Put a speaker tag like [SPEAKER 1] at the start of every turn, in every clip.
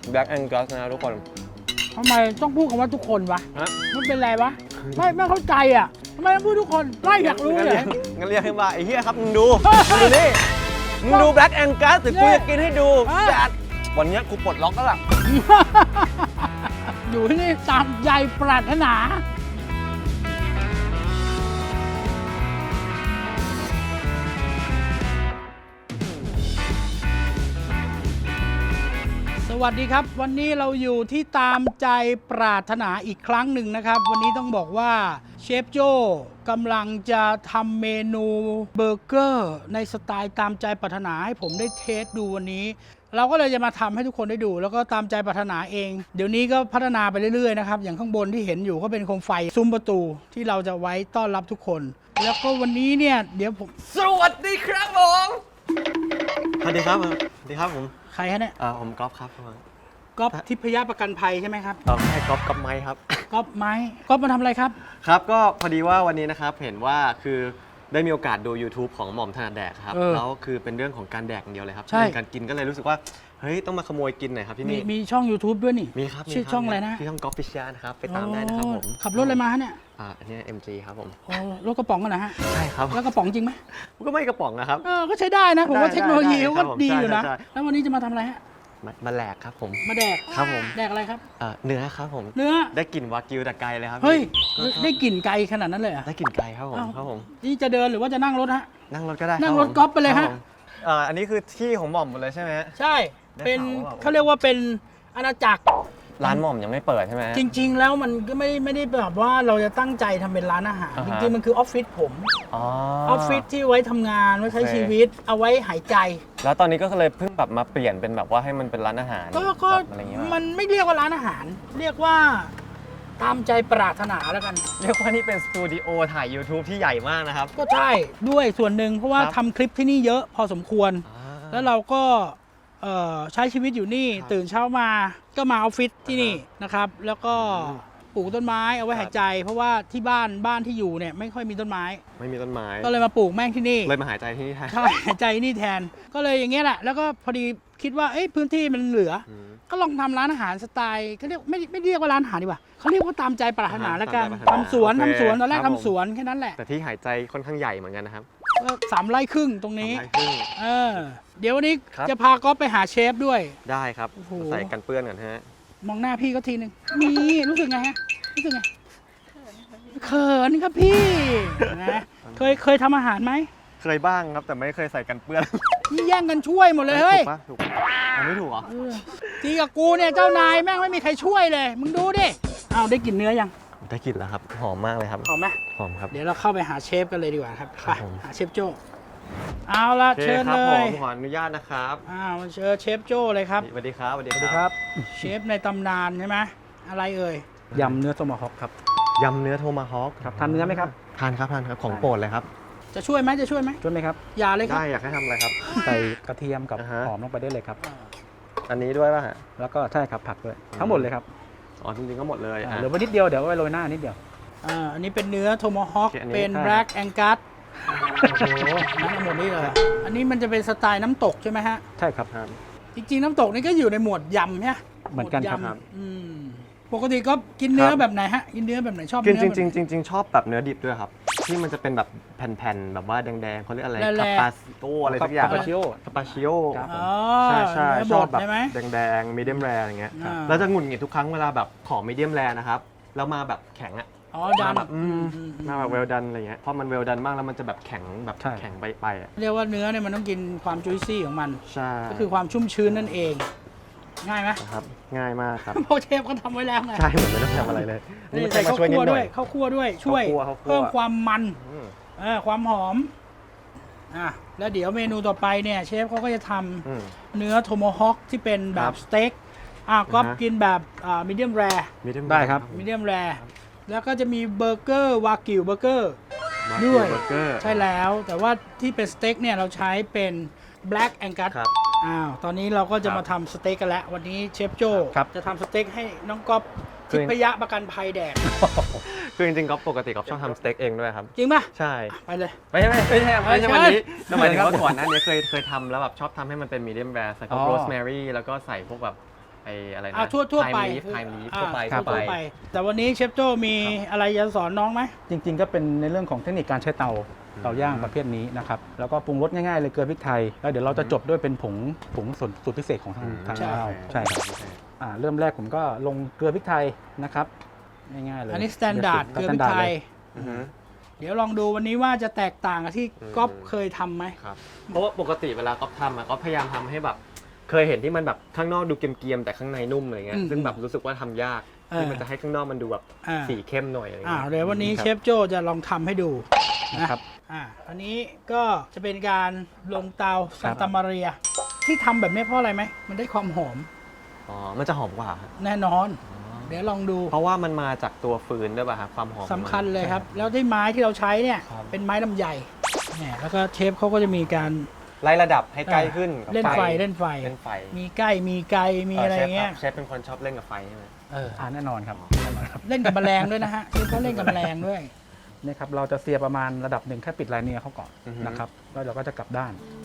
[SPEAKER 1] Black Angus นะทุกคน
[SPEAKER 2] ทำไมต้องพูดคำว่าทุกคนวะมันเป็นไรวะไม่เข้าใจอ่ะทำไมต้องพูดทุกคนไล่อยากรู้เลย
[SPEAKER 1] งั้นเรียกให้ว่าไอ้เหี้ยครับมึงดูนี่มึงดู Black Angus ถึงกูจะกินให้ดูจัดวันนี้กูปลดล็อกแล้วล่ะ
[SPEAKER 2] อยู่ที่นี่ตามใจปรารถนาสวัสดีครับวันนี้เราอยู่ที่ตามใจปรารถนาอีกครั้งหนึ่งนะครับวันนี้ต้องบอกว่าเชฟโจ้กำลังจะทำเมนูเบอร์เกอร์ในสไตล์ตามใจปรารถนาให้ผมได้เทสดูวันนี้เราก็เลยจะมาทำให้ทุกคนได้ดูแล้วก็ตามใจปรารถนาเองเดี๋ยวนี้ก็พัฒนาไปเรื่อยๆนะครับอย่างข้างบนที่เห็นอยู่ก็เป็นโคมไฟซุ้มประตูที่เราจะไว้ต้อนรับทุกคนแล้วก็วันนี้เนี่ยเดี๋ยวผม
[SPEAKER 1] สวัสดีครับผมสวัสดีครับสวัสดีครับผม
[SPEAKER 2] ใครฮะเนี่ย
[SPEAKER 1] ผมก๊อฟครับ
[SPEAKER 2] ก๊อฟทิพยประกันภัยใช่ไหมครับ
[SPEAKER 1] ใช่ก๊อฟไม้ครับ
[SPEAKER 2] ก๊อฟไม้ก๊อฟมาทำอะไรครับ
[SPEAKER 1] ครับก็พอดีว่าวันนี้นะครับเห็นว่าคือได้มีโอกาสดู YouTube ของหม่อมถนัดแดกครับแล้วคือเป็นเรื่องของการแดกอย่างเดียวเลยครับการกินก็เลยรู้สึกว่าเฮ้ยต้องมาขโมยกินหน่อยครับที่นี่
[SPEAKER 2] มีช่อง YouTube ด้วยนี่
[SPEAKER 1] มีครับ
[SPEAKER 2] ชื่อช่องอะไรนะ
[SPEAKER 1] ที่ช่องก๊อฟฟิชานะครับไปตามได้นะครับผม
[SPEAKER 2] ขับรถอะไรมาเนี่ย
[SPEAKER 1] อันนี้ MG ครับผม
[SPEAKER 2] รถกระป๋องกันนะฮะ
[SPEAKER 1] ใช่ครับ
[SPEAKER 2] แล้วกระป๋องจริงไหม
[SPEAKER 1] ก็ไม่กระป๋องนะครับ
[SPEAKER 2] ก็ใช้ได้นะผมว่าเทคโนโลยีเขาก็ดีอยู่นะแล้ววันนี้จะมาทำอะไรฮะ
[SPEAKER 1] มาแหลกครับผม
[SPEAKER 2] มาแดก
[SPEAKER 1] ครับผม
[SPEAKER 2] แดกอะไรครับ
[SPEAKER 1] เนื้อครับผม
[SPEAKER 2] เนื้อ
[SPEAKER 1] ได้กลิ่นวากิวแต่ไกลเลยครับ
[SPEAKER 2] เฮ้ยได้กลิ่นไกลขนาดนั้นเลย
[SPEAKER 1] ได้กลิ่นไกลครับผม
[SPEAKER 2] นี่จะเดินหรือว่าจะนั่งรถฮะ
[SPEAKER 1] นั่งรถก็ได้
[SPEAKER 2] นั่งรถก๊อฟไปเลยฮะ
[SPEAKER 1] อันนี้คือที่ของหม่อมหมดเลยใช่ไหม
[SPEAKER 2] ใช่เป็นเขาเรียกว่าเป็นอาณาจักร
[SPEAKER 1] ร้านหม่อมยังไม่เปิดใช่ไหม
[SPEAKER 2] จริงๆแล้วมันก็ไม่ได้แบบว่าเราจะตั้งใจทำเป็นร้านอาหารจริงๆมันคือออฟฟิศผมออฟฟิศที่ไว้ทำงานไว้ใช้ชีวิตเอาไว้หายใจ
[SPEAKER 1] แล้วตอนนี้ก็เลยเพิ่งแบบมาเปลี่ยนเป็นแบบว่าให้มันเป็นร้านอาหาร
[SPEAKER 2] ก็มันไม่เรียกว่าร้านอาหารเรียกว่าตามใจปรารถนาแล้วกัน
[SPEAKER 1] เรียกว่านี่เป็นสตูดิโอถ่าย YouTube ที่ใหญ่มากนะครับ
[SPEAKER 2] ก็ใช่ด้วยส่วนหนึ่งเพราะว่าทำคลิปที่นี่เยอะพอสมควรแล้วเราก็ใช้ชีวิตอยู่นี่ตื่นเช้ามาก็มาออฟฟิศที่นี่นะครับแล้วก็ปลูกต้นไม้เอาไว้หายใจเพราะว่าที่บ้านที่อยู่เนี่ยไม่ค่อยมีต้นไม้
[SPEAKER 1] ไม่มีต้นไม้
[SPEAKER 2] ก็เลยมาปลูกแม่งที่นี่
[SPEAKER 1] เลยมาหายใจที่นี่แทน
[SPEAKER 2] ใช่หายใจนี่แทนก็เลยอย่างเงี้ยแหละแล้วก็พอดีคิดว่าพื้นที่มันเหลือก็ลองทำร้านอาหารสไตล์เขาเรียกไม่เรียกว่าร้านอาหารดีกว่าเขาเรียกว่าตามใจปรารถนาแล้วกันทำสวนตอนแรกทำสวนแค่นั้นแหละ
[SPEAKER 1] แต่ที่หายใจค่อนข้างใหญ่เหมือนกันนะครับ
[SPEAKER 2] ก็3 ไร่ครึ่งตรงนี้เดี๋ยววันนี้จะพาก๊อฟไปหาเชฟด้วย
[SPEAKER 1] ได้ครับใส่กันเปื้อนก่อนฮะ
[SPEAKER 2] มองหน้าพี่ก็ทีนึงนี่รู้สึกไงฮะรู้สึกไงเขินครับพี่นะเคยทำอาหารไหม
[SPEAKER 1] เคยบ้างครับแต่ไม่เคยใส่กันเปื้อน
[SPEAKER 2] นี่แย่งกันช่วยหมดเลยเฮ้ย
[SPEAKER 1] ถูกไม่ถูกเหรอ
[SPEAKER 2] ทีกับกูเนี่ยเจ้านายแม่งไม่มีใครช่วยเลยมึงดูดิอ้าวได้กลิ่นเนื้อยัง
[SPEAKER 1] ได้กลิ่นแล้วครับหอมมากเลยครับ
[SPEAKER 2] หอมไหม
[SPEAKER 1] หอมครับ
[SPEAKER 2] เดี๋ยวเราเข้าไปหาเชฟกันเลยดีกว่าครับไปหาเชฟโจ้เอาละเชิญเลย
[SPEAKER 1] ขออนุญาตนะครับ
[SPEAKER 2] มาเชิญเชฟโจ้เลยครับ
[SPEAKER 1] สวัสดีครับ
[SPEAKER 2] สวัสดีครับเชฟในตำนานใช่ไหมอะไรเอ่ย
[SPEAKER 3] ยำเนื้อโทมาฮอกครับ
[SPEAKER 1] ยำเนื้อโทมาฮอก
[SPEAKER 3] ครับทานเนื้อไหมครับ
[SPEAKER 1] ทานครับของโปรดเลยครับ
[SPEAKER 2] จะช่วยไหมช่วยไหม
[SPEAKER 3] ครับ
[SPEAKER 2] อย่าเลยครับ
[SPEAKER 1] ได้อยากให้ทำอะไรครับ
[SPEAKER 3] ใส่กระเทียมกับหอมลงไปได้เลยครับ
[SPEAKER 1] อันนี้ด้วยป่ะฮะ
[SPEAKER 3] แล้วก็ใช่ครับผักด้วยทั้งหมดเลยครับ
[SPEAKER 1] จริงๆก็หมดเลย
[SPEAKER 3] เหลือไว้นิดเดียวเดี๋ยวไว้โรยหน้านิดเดียว
[SPEAKER 2] อันนี้เป็นเนื้อโทมาฮอกเป็น Black Angus โอ้โหทั้งหมดนี้เลยอันนี้มันจะเป็นสไตล์น้ำตกใช่ไหมฮะ
[SPEAKER 3] ใช่ครับ
[SPEAKER 2] จริงๆน้ำตกนี่ก็อยู่ในหมวดยำใช่ไหม
[SPEAKER 3] เหมือนกันครับ
[SPEAKER 2] ปกติก็กินเนื้อแบบไหนฮะกินเนื้อแบบไหนชอบ
[SPEAKER 1] กินจริงชอบแบบเนื้อดิบด้วยครับที่มันจะเป็นแบบแผ่นๆแบบว่าแดงๆเขาเรียกอะไรคาปาซิโออะไรสักอย่างคาปาชิโอใช่ชอบแบบแดงๆมีเดียมแรร์อย่างเงี้ยแล้วจะหงุดหงิดทุกครั้งเวลาแบบของมีเดียมแรร์นะครับแล้วมาแบบแข็งอะ
[SPEAKER 2] ดัน
[SPEAKER 1] แบบมาแบบเวลดันอะไรเงี้ยเพราะมันเวลดันมากแล้วมันจะแบบแข็งแบบแข็งไป
[SPEAKER 2] เรียกว่าเนื้อเนี่ยมันต้องกินความจุยซี่ของมัน
[SPEAKER 1] ใช่
[SPEAKER 2] ก็คือความชุ่มชื้นนั่นเองง่ายไหม
[SPEAKER 1] ครับง่ายมากครับ
[SPEAKER 2] เพราะเชฟเขาทำไว้แล้วไง
[SPEAKER 1] ใช่เหมือนไม่ต้องทำอะไรเลย
[SPEAKER 2] นี่ใส่ข้าวคั่วด้วยข้าวคั่วด้วยช่วยเพิ่มความมันความหอมแล้วเดี๋ยวเมนูต่อไปเนี่ยเชฟเขาก็จะทำเนื้อโทโมฮอคที่เป็นแบบสเต็กก็กินแบบมีเดียมแรร์
[SPEAKER 3] ได้ครับ
[SPEAKER 2] มีเดียมแรร์แล้วก็จะมีเบอร์เกอร์วากิวเบอร์เกอร์ด้วยใช่แล้วแต่ว่าที่เป็นสเต็กเนี่ยเราใช้เป็น Black Angus ตอนนี้เราก็จะมาทำสเต็กกันแล้ววันนี้เชฟโจ้จะทำสเต็กให้น้องก๊อฟทิพยประกันภัยแดก
[SPEAKER 1] คือจริงๆก๊อฟปกติก๊อฟชอบทำสเต็กเองด้วยครับ
[SPEAKER 2] จริงป่ะ
[SPEAKER 1] ใช่
[SPEAKER 2] ไปเลย
[SPEAKER 1] ไม่ใช่วันนี้หมายถึงว่าก่อนหน้านี้เคยทำแล้วแบบชอบทำให้มันเป็นมีเดียมแรร์ใส่พวกโรสแมรี่แล้วก็ใส่พวกแบบอะไรนะ
[SPEAKER 2] ทั่วไป
[SPEAKER 1] ไทม์ลีฟทั่วไป
[SPEAKER 2] ทั่วไป แต่วันนี้เชฟโจ้มีอะไรจะสอนน้องไหม
[SPEAKER 3] จริงๆก็เป็นในเรื่องของเทคนิคการใช้เตาย่างประเภทนี้นะครับแล้วก็ปรุงรสง่ายๆเลยเกลือพริกไทยแล้วเดี๋ยวเราจะจบด้วยเป็นผงสูตรพิเศษของทางเราใช่ครับเริ่มแรกผมก็ลงเกลือพริกไทยนะครับง่ายๆเลย
[SPEAKER 2] อันนี้สแตนดาร์ดเกลือพริกไทย เดี๋ยวลองดูวันนี้ว่าจะแตกต่างกับที่ก๊อฟเคยทำไหม
[SPEAKER 1] ครับเพราะว่าปกติเวลาก๊อฟทำอะก๊อฟพยายามทำให้แบบเคยเห็นที่มันแบบข้างนอกดูเกรียมๆแต่ข้างในนุ่มอะไรเงี้ยซึ่งแบบรู้สึกว่าทำยากที่มันจะให้ข้างนอกมันดูแบบสีเข้มหน่อยอะไรเงี้ย
[SPEAKER 2] เดี๋ยววันนี้เชฟโจ้จะลองทำให้ดูนะครับอันนี้ก็จะเป็นการลงเตาซันตามาเรียที่ทำแบบนี้เพราะอะไรไหมมันได้ความหอม
[SPEAKER 1] อ๋อมันจะหอมกว่า
[SPEAKER 2] แน่นอน เดี๋ยวลองดู
[SPEAKER 1] เพราะว่ามันมาจากตัวฟืนด้วยป่ะครับความหอม
[SPEAKER 2] สำคัญเลยครับ แล้วที่ไม้ที่เราใช้เนี่ยเป็นไม้ลำไยเนี่ยแล้วก็เชฟเขาก็จะมีการ
[SPEAKER 1] ไล่ระดับให้ใกล้ขึ้นกับ
[SPEAKER 2] เล่นไฟ
[SPEAKER 1] เล่นไฟ
[SPEAKER 2] มีใกล้มีไกลมีอะไรเงี้ย
[SPEAKER 1] เชฟเป็นคนชอบเล่นกับไฟใช่ไหม
[SPEAKER 3] แน่นอนครับ
[SPEAKER 2] เล่นกับแมลงด้วยนะฮะเชฟเขาเล่นกับแมลงด้วย
[SPEAKER 3] นี่ครับเราจะเสียประมาณระดับหนึ่งแค่ปิดลายเนียเขาก่อนนะครับแล้วเราก็จะกลับด้าน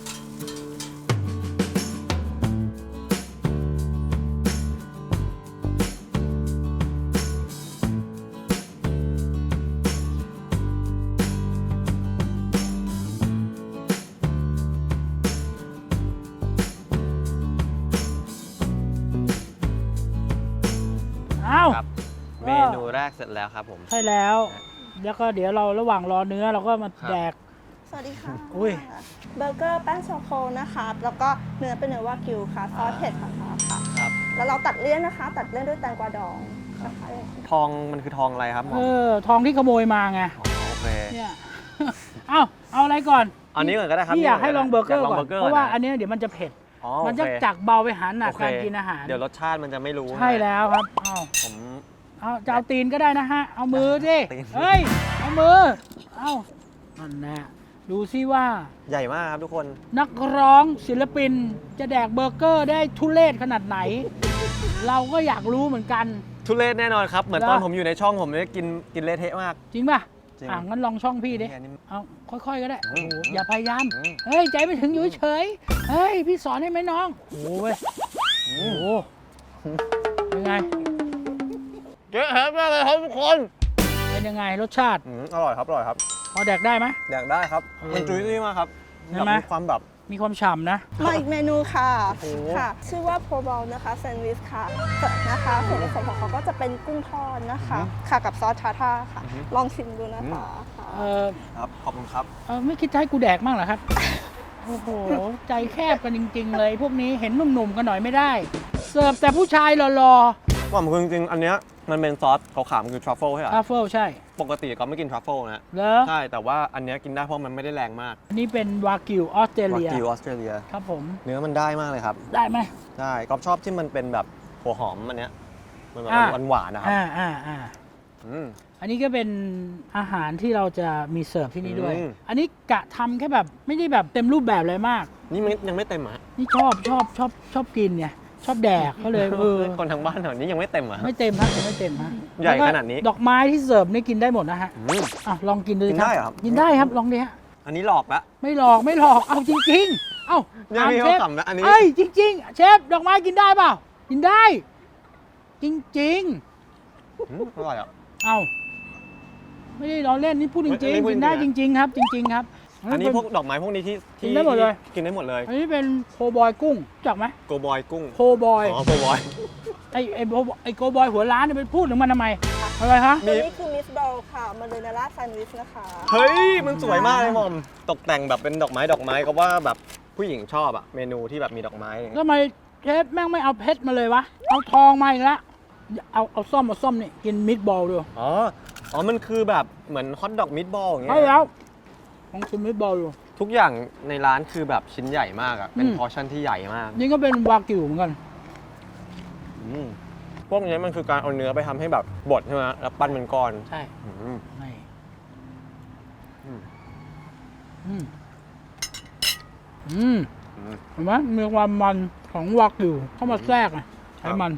[SPEAKER 2] อ้าว
[SPEAKER 1] ครับเมนูแรกเสร็จแล้วครับผม
[SPEAKER 2] ใช่แล้ว แล้วก็เดี๋ยวเราระหว่างรอเนื้อเราก็มาแดก
[SPEAKER 4] สวัสดีค่ะ
[SPEAKER 2] อุ้ย
[SPEAKER 4] เบอร์เกอร์แป้งโชโคนะคะ แล้วก็เนื้อเป็นเนื้อวากิวค่ะ ซอสเผ็ดค่ะค่ะ
[SPEAKER 1] ครับ
[SPEAKER 4] แล้วเราตัดเลี่ยนนะคะ ตัดเลี่ยนด้วยแตงกวาดองนะคะ
[SPEAKER 1] ทองมันคือทองอะไรครับหมอ
[SPEAKER 2] ทองที่ขโมยมาไง
[SPEAKER 1] โอเค
[SPEAKER 2] เนี่ย เอาอะไรก่อน
[SPEAKER 1] อันนี้ก่อนก็ได้ครับ
[SPEAKER 2] พี่อยากให้ลองเบอร์เกอร์
[SPEAKER 1] ยา
[SPEAKER 2] ก่อน
[SPEAKER 1] ลง
[SPEAKER 2] เพราะว่าอันเนี้ยเดี๋ยวมันจะเผ็ด
[SPEAKER 1] อ๋อ
[SPEAKER 2] มันจะ
[SPEAKER 1] โอเค
[SPEAKER 2] จากเบาไปหาหนัก
[SPEAKER 1] โอเค
[SPEAKER 2] การกินอาหาร
[SPEAKER 1] เดี๋ยวรสชาติมันจะไม่รู้
[SPEAKER 2] ใช่แล้วครับ
[SPEAKER 1] ผม
[SPEAKER 2] เอาจะเอาตีนก็ได้นะฮะ เอามือสิ
[SPEAKER 1] ตีน
[SPEAKER 2] เฮ้ย เอามือ เอานั่นแหละดูซิว่า
[SPEAKER 1] ใหญ่มากครับทุกคน
[SPEAKER 2] นักร้องศิลปินจะแดกเบอร์เกอร์ได้ทุเรศขนาดไหน เราก็อยากรู้เหมือนกัน
[SPEAKER 1] ทุเรศแน่นอนครับ เหมือน
[SPEAKER 2] เหรอ
[SPEAKER 1] ตอนผมอยู่ในช่องผมเนี่ยกินเละเทะมาก
[SPEAKER 2] จริงป่ะ
[SPEAKER 1] จริง
[SPEAKER 2] งั้นลองช่องพี่ดิ
[SPEAKER 1] อันนี้
[SPEAKER 2] เอาค่อยๆก็ได้
[SPEAKER 1] อื
[SPEAKER 2] โอ้
[SPEAKER 1] ม
[SPEAKER 2] โหอย่าพยายาม
[SPEAKER 1] อืม
[SPEAKER 2] เฮ้ย ใจไม่ถึงอยู่เฉยๆเฮ้ย พี่สอนให้ไหมน้อง โอ้โหเว้ยโอ้โหเป็นไง
[SPEAKER 1] เยอะมากเลยครับทุกคน
[SPEAKER 2] เป็นยังไงรสชาติ
[SPEAKER 1] อร่อยครับอร่อยครับ
[SPEAKER 2] พอแดกได้ไหม
[SPEAKER 1] อยากได้ครับ มันจุ้ยซี่มากครับ
[SPEAKER 2] ใช่ไหม
[SPEAKER 1] มีความแบบ
[SPEAKER 2] มีความฉ่ำนะ
[SPEAKER 4] มาอีกเมนูค่ะ
[SPEAKER 1] โอ้โห
[SPEAKER 4] ค่ะ ชื่อว่าโพบอลนะคะแซนด์วิชค่ะนะคะส่วนผสมของเขาก็จะเป็นกุ้งทอดนะคะ ค่ะกับซอสทาท่าค่ะ ลองชิมดูนะคะค่ะ
[SPEAKER 1] ครับขอบคุณครับ
[SPEAKER 2] ไม่คิดจะให้กูแดกมั่งเหรอครับ โอ้โห ใจแคบกันจริง ๆ เลย พวกนี้เห็นหนุ่มๆกันหน่อยไม่ได้ เสิร์ฟแต่ผู้ชายหล่อ
[SPEAKER 1] ว่ามันคือจริงๆอันเนี้ยมันเป็นซอสขาวๆมันคือทรัฟเฟิลใช่ไหม
[SPEAKER 2] ๆทรัฟเฟิลใช่
[SPEAKER 1] ปกติก็ไม่กินทรัฟเฟิลนะ
[SPEAKER 2] เหรอ
[SPEAKER 1] ใช่แต่ว่าอันเนี้ยกินได้เพราะมันไม่ได้แรงมาก
[SPEAKER 2] อันนี้เป็นวากิวออสเตร
[SPEAKER 1] วา
[SPEAKER 2] เลีย
[SPEAKER 1] กิวออสเตรเลีย
[SPEAKER 2] ครับผม
[SPEAKER 1] เนื้อมันได้มากเลยครับ
[SPEAKER 2] ได้ไหม
[SPEAKER 1] ได้ก๊อฟชอบที่มันเป็นแบบหัวหอมอันเนี้ยมันแบบ
[SPEAKER 2] อ่า
[SPEAKER 1] หวานๆนะครับ
[SPEAKER 2] อ่า
[SPEAKER 1] อืม
[SPEAKER 2] อันนี้ก็เป็นอาหารที่เราจะมีเสิร์ฟที่นี่ด้วย
[SPEAKER 1] อืม
[SPEAKER 2] อันนี้กะทำแค่แบบไม่ได้แบบเต็มรูปแบบเลยมาก
[SPEAKER 1] นี่มันยังไม่เต็มอ่ะ
[SPEAKER 2] นี่ชอบกินไงชอบแดกก็เลย
[SPEAKER 1] คนทางบ้านแถวนี้ยังไม่เต็มอ่ะ
[SPEAKER 2] ไม่เต็มฮะยังไม่เต็มฮะ
[SPEAKER 1] ใหญ่
[SPEAKER 2] แล้วก็
[SPEAKER 1] ขนาดนี้
[SPEAKER 2] ดอกไม้ที่เสิร์ฟนี่กินได้หมดนะฮะ
[SPEAKER 1] อืม
[SPEAKER 2] ลองกินดู
[SPEAKER 1] กิน
[SPEAKER 2] ครับ
[SPEAKER 1] ได้เหรอครับ
[SPEAKER 2] กินได้ครับลองดิฮะ
[SPEAKER 1] อันนี้หลอกละ
[SPEAKER 2] ไม่หลอกเอาจริงๆ เอ้า
[SPEAKER 1] เนี่ย
[SPEAKER 2] ถาม
[SPEAKER 1] พี่
[SPEAKER 2] เช
[SPEAKER 1] เขา
[SPEAKER 2] ฟ
[SPEAKER 1] ขำนะอันนี้
[SPEAKER 2] เอ้ยจริงๆเชฟดอกไม้กินได้เปล่ากินได้ จริง
[SPEAKER 1] อร่อยอ่ะ
[SPEAKER 2] ๆ เอ้าไม่ได้ล้อเล่นนี่พูดจ
[SPEAKER 1] อั
[SPEAKER 2] ริ
[SPEAKER 1] น
[SPEAKER 2] ง
[SPEAKER 1] นี้
[SPEAKER 2] ๆ
[SPEAKER 1] พูด
[SPEAKER 2] กินได้
[SPEAKER 1] จ
[SPEAKER 2] จ
[SPEAKER 1] ริงๆ
[SPEAKER 2] ริง ๆ ครับ จริง ๆ ครับ
[SPEAKER 1] อันนี้พวกดอกไม้พวกนี้ที่
[SPEAKER 2] กินได้หมดเลย
[SPEAKER 1] กินได้หมดเลย
[SPEAKER 2] อันนี้เป็นโคบอยกุ้งรู้จักไหม
[SPEAKER 1] โกบอยกุ้ง
[SPEAKER 2] โคบอย
[SPEAKER 1] อ๋อโกบอย
[SPEAKER 2] ไอ้โกบอยหัวล้านเนี่ยไปพูดถึงมันทำไมอะไรฮะ
[SPEAKER 1] มี
[SPEAKER 4] อันนี้คือมิสบอลค่ะมาเลยนาร่าแซนด์วิชนะคะ
[SPEAKER 1] เฮ้ย มันสวยมากเลยหมอม ตกแต่งแบบเป็นดอกไม้ก็ว่าแบบผู้หญิงชอบอะเมนูที่แบบมีดอกไม้อะไรเงี้ย
[SPEAKER 2] ทำไมเชฟแม่งไม่เอาเพชรมาเลยวะเอาทองมาอีกแล้วเอาส้มนี่กินมิตบอลดู
[SPEAKER 1] อ๋อ มันคือแบบเหมือนฮอทดอกมิตบอลอย่างเงี้
[SPEAKER 2] ใช่
[SPEAKER 1] ย
[SPEAKER 2] แล้วลองชิมมิตบอลดู
[SPEAKER 1] ทุกอย่างในร้านคือแบบชิ้นใหญ่มากอะเป็น
[SPEAKER 2] อืม
[SPEAKER 1] พอร์ชั่นที่ใหญ่มาก
[SPEAKER 2] นี่ก็เป็นวากิวเหมือนกัน
[SPEAKER 1] อืมพวกนี้มันคือการเอาเนื้อไปทำให้แบบบดใช่ไหมแล้วปั้นเป็นก้อน
[SPEAKER 2] ใช่
[SPEAKER 1] อืม
[SPEAKER 2] นี่
[SPEAKER 1] อืม
[SPEAKER 2] อืม
[SPEAKER 1] อืม
[SPEAKER 2] เห็นไหมมีความมันของวากิวเข้ามาแทรกไงไขมัน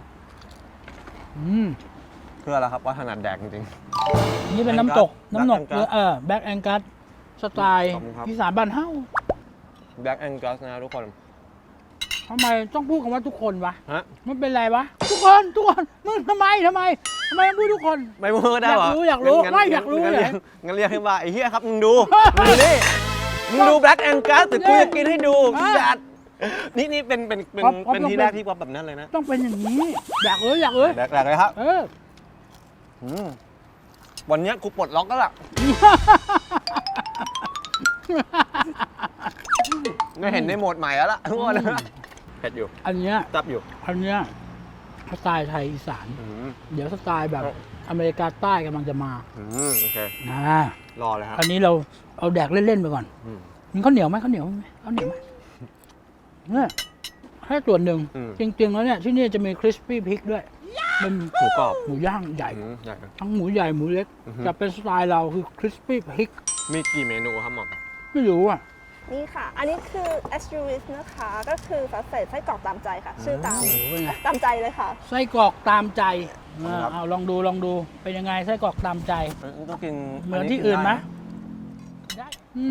[SPEAKER 1] เพื่อแล้วครับว่าถนัดแดกจริง
[SPEAKER 2] นี่เป็นน้ำตก
[SPEAKER 1] Black
[SPEAKER 2] น้ำหนก
[SPEAKER 1] Angus
[SPEAKER 2] แบ็กแองกัสสไตล์
[SPEAKER 1] ขอบคุณครับ
[SPEAKER 2] อีสานบ้านเฮ้า
[SPEAKER 1] ๆ Black Angus นะทุกคน
[SPEAKER 2] ทำไมต้องพูดคำว่าทุกคนวะ
[SPEAKER 1] ฮะ
[SPEAKER 2] มันเป็นไรวะ ทุกคนมึงทำไมต้องพูดทุกคน
[SPEAKER 1] ไม่พูดได้เหรอ
[SPEAKER 2] อยากรู้
[SPEAKER 1] งั้น
[SPEAKER 2] ไม่อยากรู้
[SPEAKER 1] งั้น
[SPEAKER 2] เลย
[SPEAKER 1] งั้นเรียกให้ว่าไอ้เหี้ยครับมึงดูนี่มึงดู Black Angus แต่กูจะกินให้ดูจัดนี่เป็นที่แรกที่ป๊อปแบบนั้นเลยนะ
[SPEAKER 2] ต้องเป็นอย่างนี้ อยากเลย
[SPEAKER 1] แรกเลยครับ
[SPEAKER 2] เออ
[SPEAKER 1] วันนี้กูปลดล็อกแล้วล่ะไม่เห็นในโหมดใหม่แล้วล่ะทุกคนเผ็ดอยู่
[SPEAKER 2] อันเนี้ย
[SPEAKER 1] จับอยู่
[SPEAKER 2] สไตล์ไทยอีสาน เดี๋ยวสไตล์แบบอเมริกาใต้กำลังจะมา
[SPEAKER 1] โอเค
[SPEAKER 2] นะ
[SPEAKER 1] รอเลยครับ
[SPEAKER 2] อันนี้เราเอาแดกเล่นๆไปก่อนมีข้าวเหนียวไหมข้าวเหนียวไหมเนี่ยแค่ส่วนหนึ่งจริงๆแล้วเนี่ยที่นี่จะมีคริสปี้พริกด้วยเป็น
[SPEAKER 1] หมูกรอบ
[SPEAKER 2] หมูย่างใหญ่
[SPEAKER 1] ใหญ่
[SPEAKER 2] ทั้งหมูใหญ่หมูเล็กจะเป็นสไตล์เราคือคริสปี้พริก
[SPEAKER 1] มีกี่เมนูครับหม่อม
[SPEAKER 2] ไม่รู้อ่ะ
[SPEAKER 4] นี่ค่ะ อันนี้คือ a s t u r i s นะคะ ก็คือฝาเศษไส้กรอกตามใจค่ะ ชื่อตาม
[SPEAKER 2] โอ้โหเป็นไง
[SPEAKER 4] ตามใจเลยค่ะ
[SPEAKER 2] ไส้กรอกตามใจเอาลองดูเป็นยังไงไส้กรอกตามใจ
[SPEAKER 1] ต้องกิน
[SPEAKER 2] เหมือนที่อื่นไหมได้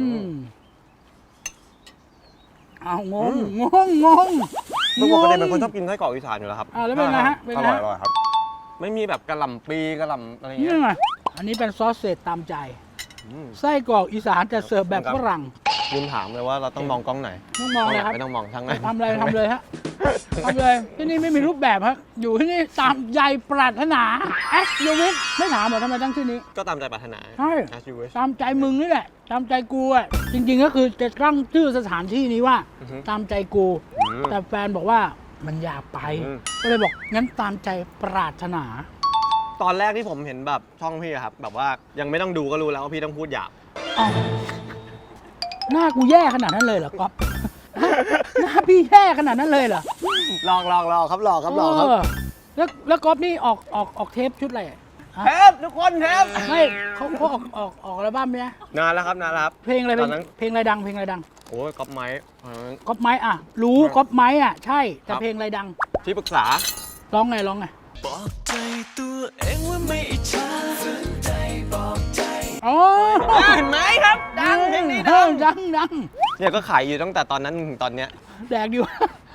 [SPEAKER 2] เอางง
[SPEAKER 1] ปกติเป็นคนชอบกินไส้กรอกอีสานอยู่แล้วครับ
[SPEAKER 2] แล้วเป็นไงฮะเป็น
[SPEAKER 1] อ
[SPEAKER 2] ไง
[SPEAKER 1] ร่อยครับ ไม่มีแบบกระหล่ำปีกระหล่ำอะไรเงี้
[SPEAKER 2] นี่
[SPEAKER 1] ย
[SPEAKER 2] ไงอันนี้เป็นซอสเศษตามใจ ไส้กรอกอีสานจะเสิร์ฟแบบฝรั่ง
[SPEAKER 1] ลืมถามเลยว่าเราต้องมองกล้องไหน
[SPEAKER 2] ต้องมองเลยครับ
[SPEAKER 1] ไม่ต้องมองทางไหน
[SPEAKER 2] ทำเลยฮะทำเลย ที่นี่ไม่มีรูปแบบฮะอยู่ที่นี่ตามใจปรารถนาแอสยูวิทไม่ถามเหรอทำไมตั้งชื่อนี้
[SPEAKER 1] ก็ตามใจปรารถนา
[SPEAKER 2] ใช่
[SPEAKER 1] As you wish
[SPEAKER 2] ตามใจมึงนี่แหละ ตามใจกูอ่ะ จริงๆก็คือจะตั้งชื่อสถานที่นี้ว่า
[SPEAKER 1] อือฮึ
[SPEAKER 2] ตามใจกู แต่แฟนบอกว่ามันอยากไป
[SPEAKER 1] อืม
[SPEAKER 2] ก็เลยบอกงั้นตามใจปรารถนา
[SPEAKER 1] ตอนแรกที่ผมเห็นแบบช่องพี่อะครับ แบบว่ายังไม่ต้องดูก็รู้แล้วว่าพี่ต้องพูดหยาบ
[SPEAKER 2] อ้าวหน้ากูแย่ขนาดนั้นเลยเหรอก๊อฟ หน้าพี่แย่ขนาดนั้นเลยเหรอ
[SPEAKER 1] ลองครับลองครับ
[SPEAKER 2] เออแล้วก๊อฟนี่ออกเทปชุดอะไรอะ
[SPEAKER 1] เทปทุกคนเทป
[SPEAKER 2] ไม่เขาออกอัลบั้มเนี่ย
[SPEAKER 1] นานแล้วครับ
[SPEAKER 2] เพลงอะไร
[SPEAKER 1] ตอนนั้น
[SPEAKER 2] เพลงอะไรดังเพลงอะไรดัง
[SPEAKER 1] โอ้ยก๊อปไม้
[SPEAKER 2] ก๊อปไม้อ่ะ รู้ก๊อปไม้อ่ะใช่แต่
[SPEAKER 1] ครับ
[SPEAKER 2] เพลงอะไรดัง
[SPEAKER 1] ที่ปรึกษา
[SPEAKER 2] ร้องไง
[SPEAKER 5] บอกใจตัวเองว่าไม่อิจฉาฝืนใจบอกใจ
[SPEAKER 2] อ๋อ
[SPEAKER 1] เห็นไหมครับ ดังเพลงนี้ดัง
[SPEAKER 2] ดัง
[SPEAKER 1] เนี่ยก็ขายอยู่ตั้งแต่ตอนนั้นถึงตอนเนี้ย
[SPEAKER 2] แดกอยู่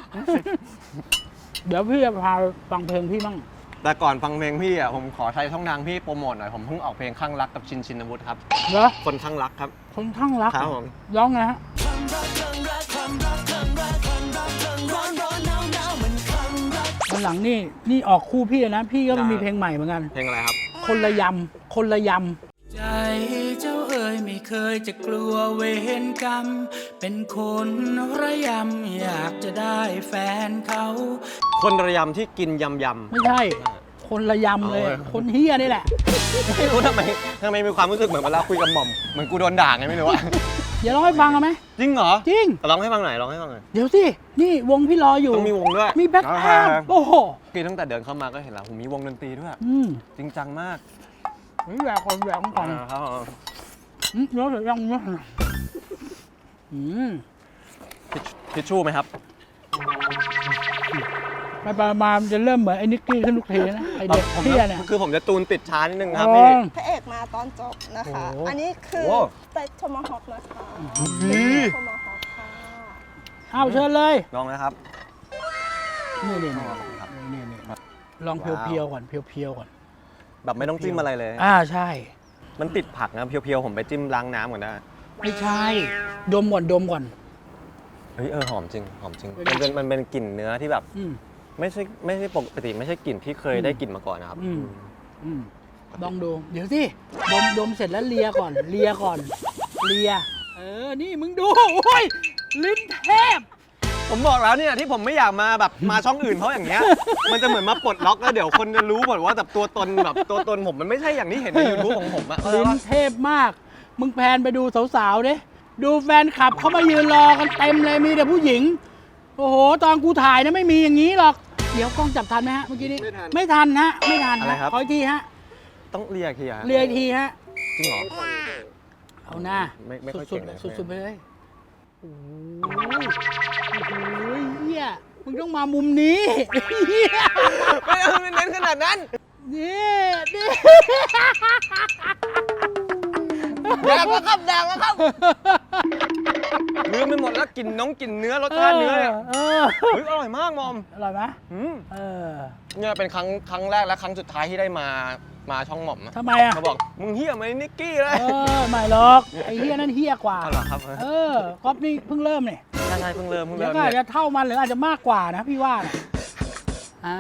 [SPEAKER 2] เดี๋ยวพี่จะพาฟังเพลงพี่มั่ง
[SPEAKER 1] แต่ก่อนฟังเพลงพี่อ่ะผมขอใช้ช่องทางพี่โปรโมทหน่อยผมเพิ่งออกเพลงข้างรักกับชินวุฒิครับ
[SPEAKER 2] เหรอ
[SPEAKER 1] คนข้างรักครับ
[SPEAKER 2] คนข้างรัก
[SPEAKER 1] ครับผม
[SPEAKER 2] ร้องไงฮะ
[SPEAKER 5] ความรักคลั่งรักความรักคลั่งรักความรักคลั่งร้อนร้อนหนาวหนาวมันคลั่งรัก
[SPEAKER 2] วันหลังนี่ออกคู่พี่นะ พี่ก็มีเพลงใหม่เหมือนกัน
[SPEAKER 1] เพลงอะไรครับ
[SPEAKER 2] คนละยำ
[SPEAKER 5] ใจเจ้าเอ๋ยไม่เคยจะกลัวเวรกรรม เป็นคนระยำอยากจะได้แฟนเขา
[SPEAKER 1] คนระยำที่กินยำ
[SPEAKER 2] ไม่ใช่ คนละยำเลย
[SPEAKER 1] เอาเลย
[SPEAKER 2] คนเฮียนี่แหละ
[SPEAKER 1] ไม่รู้ทำไมมีความรู้สึกเหมือนเวลาคุยกับหม่อมเหมือนกูโดนด่าไงไม่รู้อะ
[SPEAKER 2] เดี๋ยวร้องให้ฟังเอาไหม
[SPEAKER 1] จริงเหรอ
[SPEAKER 2] จริง
[SPEAKER 1] ร้องให้ฟังหน่อยร้องให้ฟังหน่อย
[SPEAKER 2] เดี๋ยวสิ นี่วงพี่รออยู่
[SPEAKER 1] ต้องมีวงด้วย
[SPEAKER 2] มีแบ็คอัพโอ้โห
[SPEAKER 1] คือตั้งแต่เดินเข้ามาก็เห็นแล้วผมมีวงดนตรีด้วย จริงจังมาก
[SPEAKER 2] นี่แหวกก่อน
[SPEAKER 1] ครับผม
[SPEAKER 2] เนื้อเสียยังเนื้อ
[SPEAKER 1] ทิชชู่ไหมครับ
[SPEAKER 2] ไปมามันจะเริ่มเหมือนไอ้นิกกี้ขึ้นทุกทีนะ ไอเด็กเฮียเนี่ย
[SPEAKER 1] คือผมจะตูนติดช้านิดนึงครับ
[SPEAKER 2] อ๋
[SPEAKER 1] พี่
[SPEAKER 2] อ
[SPEAKER 4] พระเอกมาตอนจบนะคะ
[SPEAKER 2] โอ้โห
[SPEAKER 4] อันนี้คือ
[SPEAKER 1] โอ้
[SPEAKER 4] สเต็กโทมาฮอคนะคะ
[SPEAKER 1] ดี
[SPEAKER 4] โทมาฮอคค่ะ
[SPEAKER 2] เอาเชิญเลย
[SPEAKER 1] ลองนะครับ
[SPEAKER 2] นี่
[SPEAKER 1] ครับ
[SPEAKER 2] ลองเพียวๆก่อน เพียวๆก่อน
[SPEAKER 1] แบบไม่ต้องจิ้มอะไรเลย
[SPEAKER 2] ใช่
[SPEAKER 1] มันติดผักนะเพียวๆผมไปจิ้มล้างน้ำก่อนได้
[SPEAKER 2] ไม่ใช่ ดมก่อน
[SPEAKER 1] เฮ้ยหอมจริงหอมจริง
[SPEAKER 2] เป็นไง
[SPEAKER 1] มันเป็นกลิ่นเนื้อที่แบบ
[SPEAKER 2] อืม
[SPEAKER 1] ไม่ใช่ปกติไม่ใช่กลิ่นที่เคยได้กลิ่นมาก่อนนะครับ
[SPEAKER 2] ลองดู เดี๋ยวสิ ดมเสร็จแล้วเลียก่อน เลีย นี่มึงดู โอ้ย ลิ้นเทพ
[SPEAKER 1] ผมบอกแล้วเนี่ยที่ผมไม่อยากมาแบบมาช่องอื่นเพราะอย่างเงี้ย มันจะเหมือนมาปลดล็อกแล้วเดี๋ยวคนจะรู้หมดว่าแบบตัวตนผมมันไม่ใช่อย่างที่เห็นใน YouTube ของผมอะ
[SPEAKER 2] ลิ้นเทพมาก มึงแพนไปดูสาวๆดิดูแฟนคลับเขามายืนรอกันเต็มเลย มีแต่ผู้หญิง โอ้โห ตอนกูถ่ายนะไม่มีอย่างนี้หรอก เดี๋ยวกล้องจับทันไหมฮะเมื่อกี้นี้ ไม่ทันฮะ
[SPEAKER 1] อะไรครับ
[SPEAKER 2] ขออีกทีฮะ
[SPEAKER 1] ต้องเรียกทีอะ
[SPEAKER 2] เรียกอีกทีฮะ
[SPEAKER 1] จริงเหรอ
[SPEAKER 2] เอาหน้า
[SPEAKER 1] ไม่ค่อย
[SPEAKER 2] สุ
[SPEAKER 1] เก่
[SPEAKER 2] ด
[SPEAKER 1] ง
[SPEAKER 2] ๆ
[SPEAKER 1] เลย
[SPEAKER 2] สุดๆไปเลยโอ้ยเฮียมึงต้องมามุมนี้ เหี้ย
[SPEAKER 1] ไม่เอาเน้นขนาดนั้น
[SPEAKER 2] นี่
[SPEAKER 1] แดกแล้วครับลืมไปหมดแล้วกินเนื้อรสชาติเนื้อเนี่ย
[SPEAKER 2] เออ
[SPEAKER 1] เฮ้ยอร่อยมากมอม
[SPEAKER 2] อร่อยไหม
[SPEAKER 1] อืม
[SPEAKER 2] เออ
[SPEAKER 1] เนี่ยเป็นครั้งแรกและครั้งสุดท้ายที่ได้มาช่องหม่อมนะ
[SPEAKER 2] ทำไมอ่ะ
[SPEAKER 1] เขาบอกมึงเฮี้ยไหมนิกกี้เลย
[SPEAKER 2] เออไม่หรอกไอ้เฮียนั่นเฮียกว่า
[SPEAKER 1] อ๋อเหรอครับ
[SPEAKER 2] เออก๊อฟนี่เพิ่งเริ่มเนี่ย
[SPEAKER 1] ใช่เพิ่งเริ่ม
[SPEAKER 2] เดี๋ยวก็อาจจะเท่ามันหรืออาจจะมากกว่านะพี่ว่านะอ่า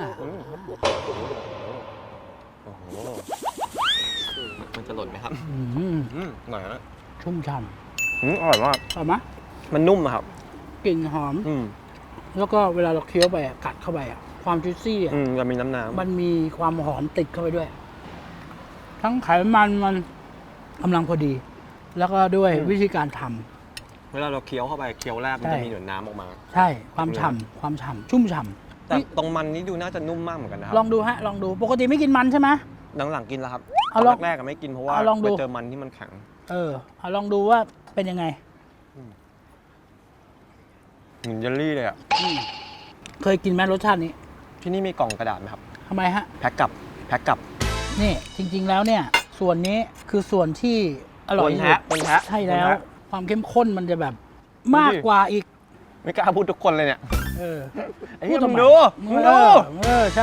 [SPEAKER 1] โอ้โหมันจะหล่นไหมครับ
[SPEAKER 2] อืม
[SPEAKER 1] หน่อยนะ
[SPEAKER 2] ชุ่มฉ่
[SPEAKER 1] อร่อยมาก
[SPEAKER 2] ำเอาไหม
[SPEAKER 1] มันนุ่มอะครับ
[SPEAKER 2] กลิ่นหอม
[SPEAKER 1] อืม
[SPEAKER 2] แล้วก็เวลาเราเคี้ยวไปอะกัดเข้าไปอะความจุยซี่อะ
[SPEAKER 1] จะมีน้ำ
[SPEAKER 2] มันมีความหอมติดเข้าไปด้วย ทั้งไขมันมันกำลังพอดี แล้วก็ด้วยวิธีการทำ
[SPEAKER 1] เวลาเราเคี้ยวเข้าไปเคี้ยวแรกมัน
[SPEAKER 2] ใช่
[SPEAKER 1] จะมีหนวดน้ำออกมา
[SPEAKER 2] ใช่ความฉ่ำความฉ่ำชุ่มฉ่
[SPEAKER 1] แต่ตรงมันนี่ดูน่าจะนุ่มมากเหมือนกันนะครั
[SPEAKER 2] ำลองดูฮะลองดูปกติไม่กินมันใช่ไหม
[SPEAKER 1] หลังๆกินแล้วครับ
[SPEAKER 2] เอาลอง
[SPEAKER 1] แรกๆก็ไม่กินเพราะว่า
[SPEAKER 2] เอาลองดู
[SPEAKER 1] ไปเจอมันที่มันแข็ง
[SPEAKER 2] เออเอาลองดูว่าเป็นยังไง
[SPEAKER 1] เหมือนเยลลี่เลยอ่ะ
[SPEAKER 2] เคยกินไหมรสชาตินี้
[SPEAKER 1] ที่นี่มีกล่องกระดาษไหมครับ
[SPEAKER 2] ทำไมฮะ
[SPEAKER 1] แพ็คกับ
[SPEAKER 2] นี่จริง ๆ แล้วเนี่ย ส่วนนี้คือส่วนที่อร่อยที่สุด
[SPEAKER 1] บนแท้
[SPEAKER 2] ใช่แล้ว
[SPEAKER 1] บนแท้
[SPEAKER 2] ความเข้มข้นมันจะแบบมากกว่าอีก
[SPEAKER 1] ไม่กล้าพูดทุกคนเลยเนี่ย
[SPEAKER 2] เออ
[SPEAKER 1] ไอ้เหี้ย
[SPEAKER 2] พู
[SPEAKER 1] มึ
[SPEAKER 2] ทำ
[SPEAKER 1] ง
[SPEAKER 2] ไ
[SPEAKER 1] ดูมึงดู
[SPEAKER 2] เออใช่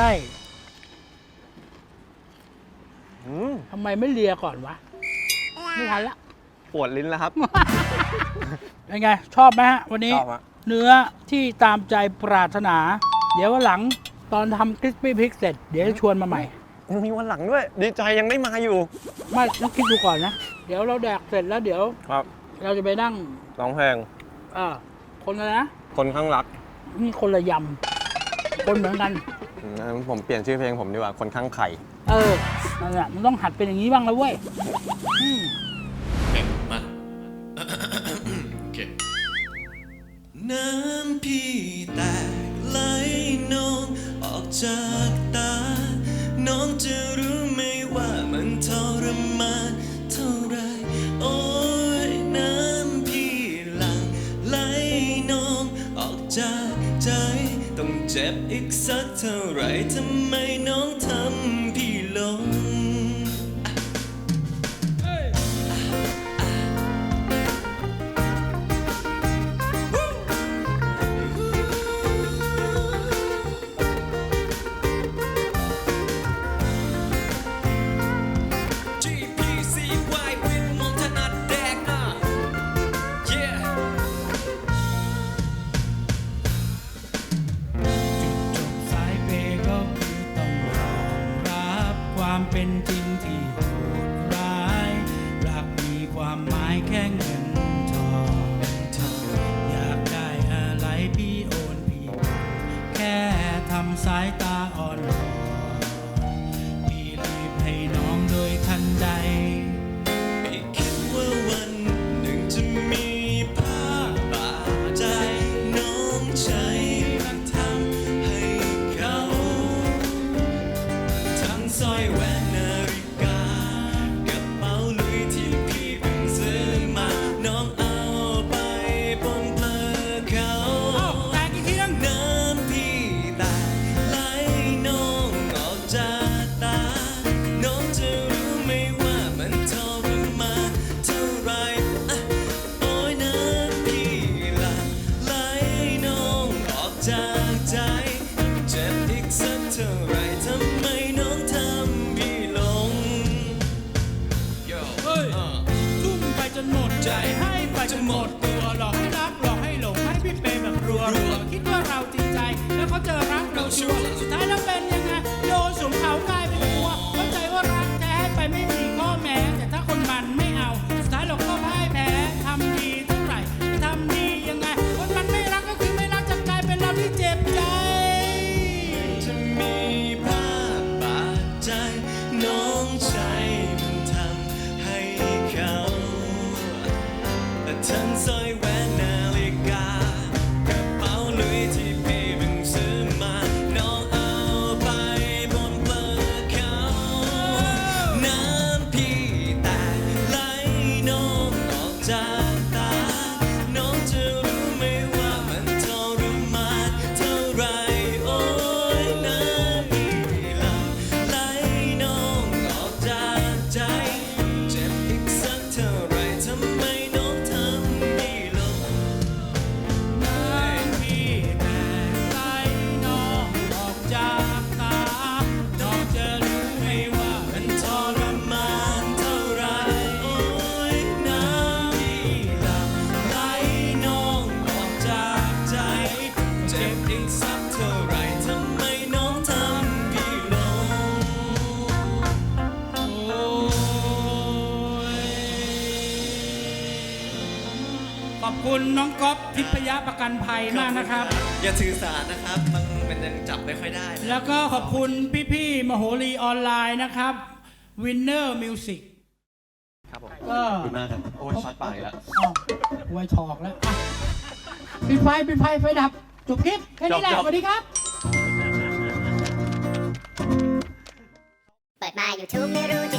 [SPEAKER 1] อืม
[SPEAKER 2] ทำไมไม่เลียก่อนวะไม่ทันละ
[SPEAKER 1] ปวดลิ้นแล้วครับ
[SPEAKER 2] เป็นไง ชอบไหมฮะ วันนี้
[SPEAKER 1] ชอบฮะ
[SPEAKER 2] เนื้อที่ตามใจปรารถนา เดี๋ยววันหลังตอนทำคริสปี้พริกเสร็จ เดี๋ยวจะชวนมาใหม่
[SPEAKER 1] ยังมีวันหลังด้วย ดีใจยังได้มาอยู่
[SPEAKER 2] ไม่ต้องคิดดูก่อนนะ เดี๋ยวเราแดกเสร็จแล้วเดี๋ยว
[SPEAKER 1] ครับ
[SPEAKER 2] เราจะไปนั่ง
[SPEAKER 1] ร้องเพลง
[SPEAKER 2] คนละนะ
[SPEAKER 1] คนข้างรัก
[SPEAKER 2] นี่คนละยำคนเหมือนกัน
[SPEAKER 1] ผมเปลี่ยนชื่อเพลงผมดีกว่าคนข้างไข่
[SPEAKER 2] เออนั่นแหละมันต้องหัดเป็นอย่างนี้บ้างแล้วเว้ยอืม
[SPEAKER 5] มาโอเคน้ำพี่แตกไหลนองออกจากตา น้องจะรู้ไหมว่ามันทรมานเท่าไร โอ้ยน้ำพี่หลั่งไหลนองออกจากใจ ต้องเจ็บอีกสักเท่าไรทำไมน้องทำพี่ลง GPCY วินมองถนัดแดกyeah จุดจบสายเปย์ก็คือต้องยอมรับความเป็นจริงที่โหดร้ายรักมีความหมายแค่เงินทองอยากได้อะไรพี่โอนพี่แค่ทำสายตาอ่อนวอนพี่รีบให้น้องโดยทันใดไม่คิดว่าวันหนึ่งจะมีภาพบาดใจน้องใช้มันทำให้เขาทั้งสร้อยแหวนนาฬิกากระเป๋าลุยที่พี่เพิ่งซื้อมาน้องเอาไปปนเปื้อนเขาแต่กี่ทีน้ำพี่แตกไหลน้องออกจากตา น้องจะรู้ไหมว่ามันทรมานเท่าไรโอ้ยน้ำพี่หลั่งไหลน้องออกจากใจ เจ็บอีกสักเท่าไรทำไมน้องทำพี่
[SPEAKER 2] คุณน้องก๊อฟทิพยประกันภัยมากนะครับ
[SPEAKER 6] อย่าสื่อสารนะครับ มันยังจับไม่ค่อยได้
[SPEAKER 2] แล้วก็ขอบคุณพี่ๆมโหรีออนไลน์นะครับ Winner Music
[SPEAKER 1] ครับผม
[SPEAKER 2] ก็
[SPEAKER 1] ขอบคุณมากครับโอ้ยช็อตปากอีกแล้ว
[SPEAKER 2] อ้าวไว้ถอกแล้วอ่ะปิดไฟไฟดับ จบคลิป แค่นี้แหละ สวัสดีครับ
[SPEAKER 7] เปิดมา YouTube ไม่รู้จะ